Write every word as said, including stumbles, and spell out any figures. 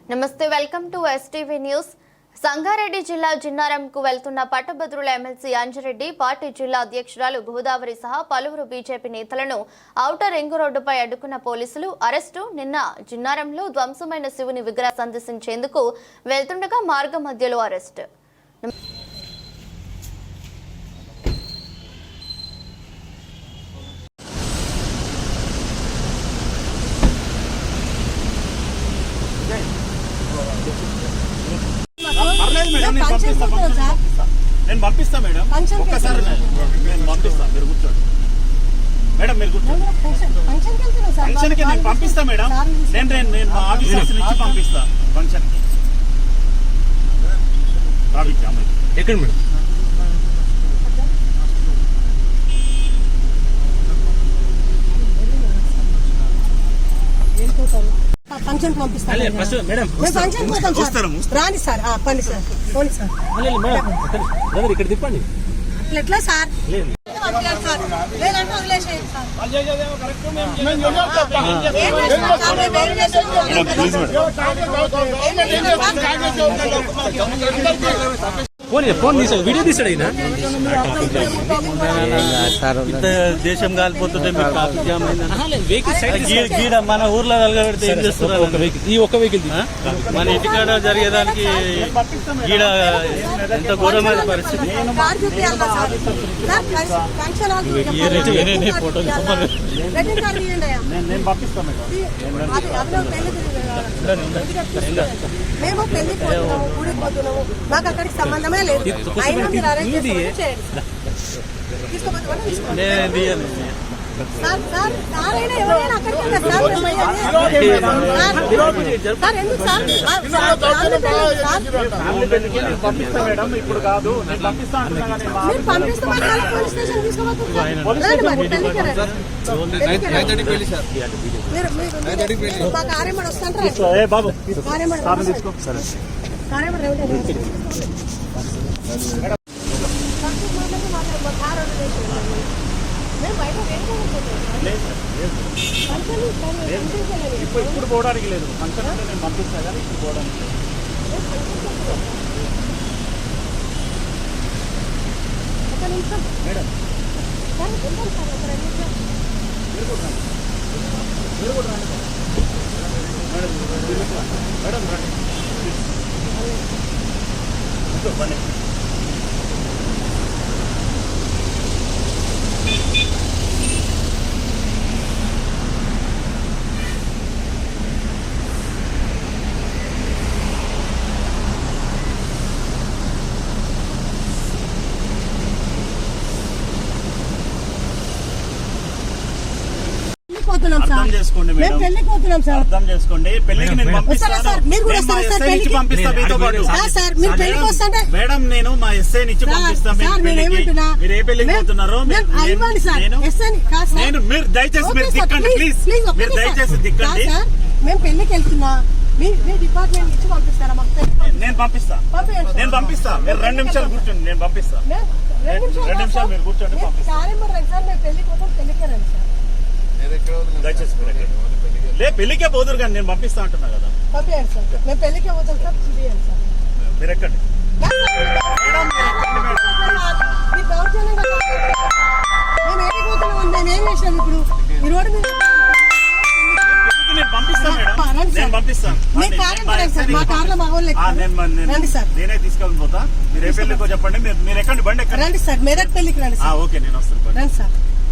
నమస్తే, welcome to STV news. Sangareddy జిల్లా జిన్నారంకు వెళ్తున్న పట్టభద్రుల ఎమ్మెల్సీ అంజిరెడ్డి పార్టీ జిల్లా అధ్యక్షురాలు గోదావరి సహా పలువురు బీజేపీ నేతలను ఔటర్ రింగ్ రోడ్డుపై అడ్డుకున్న పోలీసులు అరెస్టు. నిన్న జిన్నారంలో ధ్వంసమైన శివుని విగ్రహ సందర్శించేందుకు వెళ్తుండగా మార్గ మధ్యలో అరెస్టు. నేను పంపిస్తా మేడం, ఒక్కసారి నేను పంపిస్తా. మీరు కూర్చోండి మేడం, మీరు కూర్చోండి. ఫంక్షన్కి నేను పంపిస్తా మేడం. నేను నేను నేను మా ఆఫీసర్స్ నుంచి పంపిస్తా ఫంక్షన్కి. ఎక్కడ మేడం? ఫంక్షన్ పంపిస్తాను రాని సార్ పండి సార్ పోనీ సార్ ఇక్కడ తిప్పండి. ఎట్లా సార్ లేదంటే వదిలేసేయండి సార్. ఫోన్ ఫోన్ తీసాడు, వీడియో తీసాడు. అయినా దేశం కాలిపోతుంటే గీడ మన ఊర్లో వెలగబెడితే ఏం చేస్తున్నారు? ఈ ఒక్క వెహికల్ మన ఇంటికాడ జరిగేదానికి గీడ ఎంత ఘోరమైన పరిస్థితి. మేము పెళ్లికి పోతున్నాము, ఊరికి పోతున్నాము, మాకు అక్కడికి సంబంధమే లేదు. అయినా మీరు అరేంజ్ సార్ సార్ సార్ అయినా ఎవరైనా అక్కడికి సార్ సార్ ఎందుకు సార్ పంపిస్తా మేడం, ఇప్పుడు కాదు. నేను పంపిస్తా మీరు పంపిస్తే పోలీస్ స్టేషన్ తీసుకోబోతున్నారు. మా కార్యమని వస్తాంటారు ఇప్పుడు పోవడానికి లేదు. ఫంక్షన్ అంటే నేను పంపిస్తా కానీ ఇప్పుడు పోవడానికి లేదు. మేడం మీరు కూడా రండి, మీరు కూడా రండి మేడం, మేడం రండి. బండి అర్థం చేసుకోండి మేడం, అర్థం చేసుకోండి. పెళ్లికి నేను పంపిస్తాను, మేడం. నేను మా ఎస్ఐ నుంచి పంపిస్తాను. మీరు ఏ పెళ్లికి పోతున్నారో నేను మీరు దయచేసి మీరు దిక్కండి ప్లీజ్. మీరు దయచేసి దిక్కండి. మేము పెళ్లికి వెళ్తున్నా, మీ డిపార్ట్మెంట్ నుంచి పంపిస్తారా? నేను పంపిస్తా, నేను పంపిస్తా. మీరు రెండు నిమిషాలు కూర్చోండి, నేను పంపిస్తా. రెండు నిమిషాలు మీరు కూర్చోండి, పంపిస్తా. పెళ్లికి పోతాం, పెళ్లికి రండి సార్. దయచేసి లే పెళ్లికే పోదురు కానీ నేను పంపిస్తా అంటున్నా కదా. పంపించండి సార్, మేము పెళ్లికే పోతాం సార్. చూపించండి సార్. మీరు ఎక్కండి. మేము ఏడిపోతున్నాం, మేము ఏం చేసినాం ఇప్పుడు? ఈ రోడ్డు మీద నేను పంపిస్తా మేడం, నేను పంపిస్తాను. నేనే తీసుకెళ్ళి పోతా. మీరు ఏ పెళ్లికో చెప్పండి, మీరు ఎక్కండి, బండి ఎక్కండి. రండి సార్, మెదక్ పెళ్లికి రండి సార్. ఓకే, నేను వస్తాను. రండి సార్.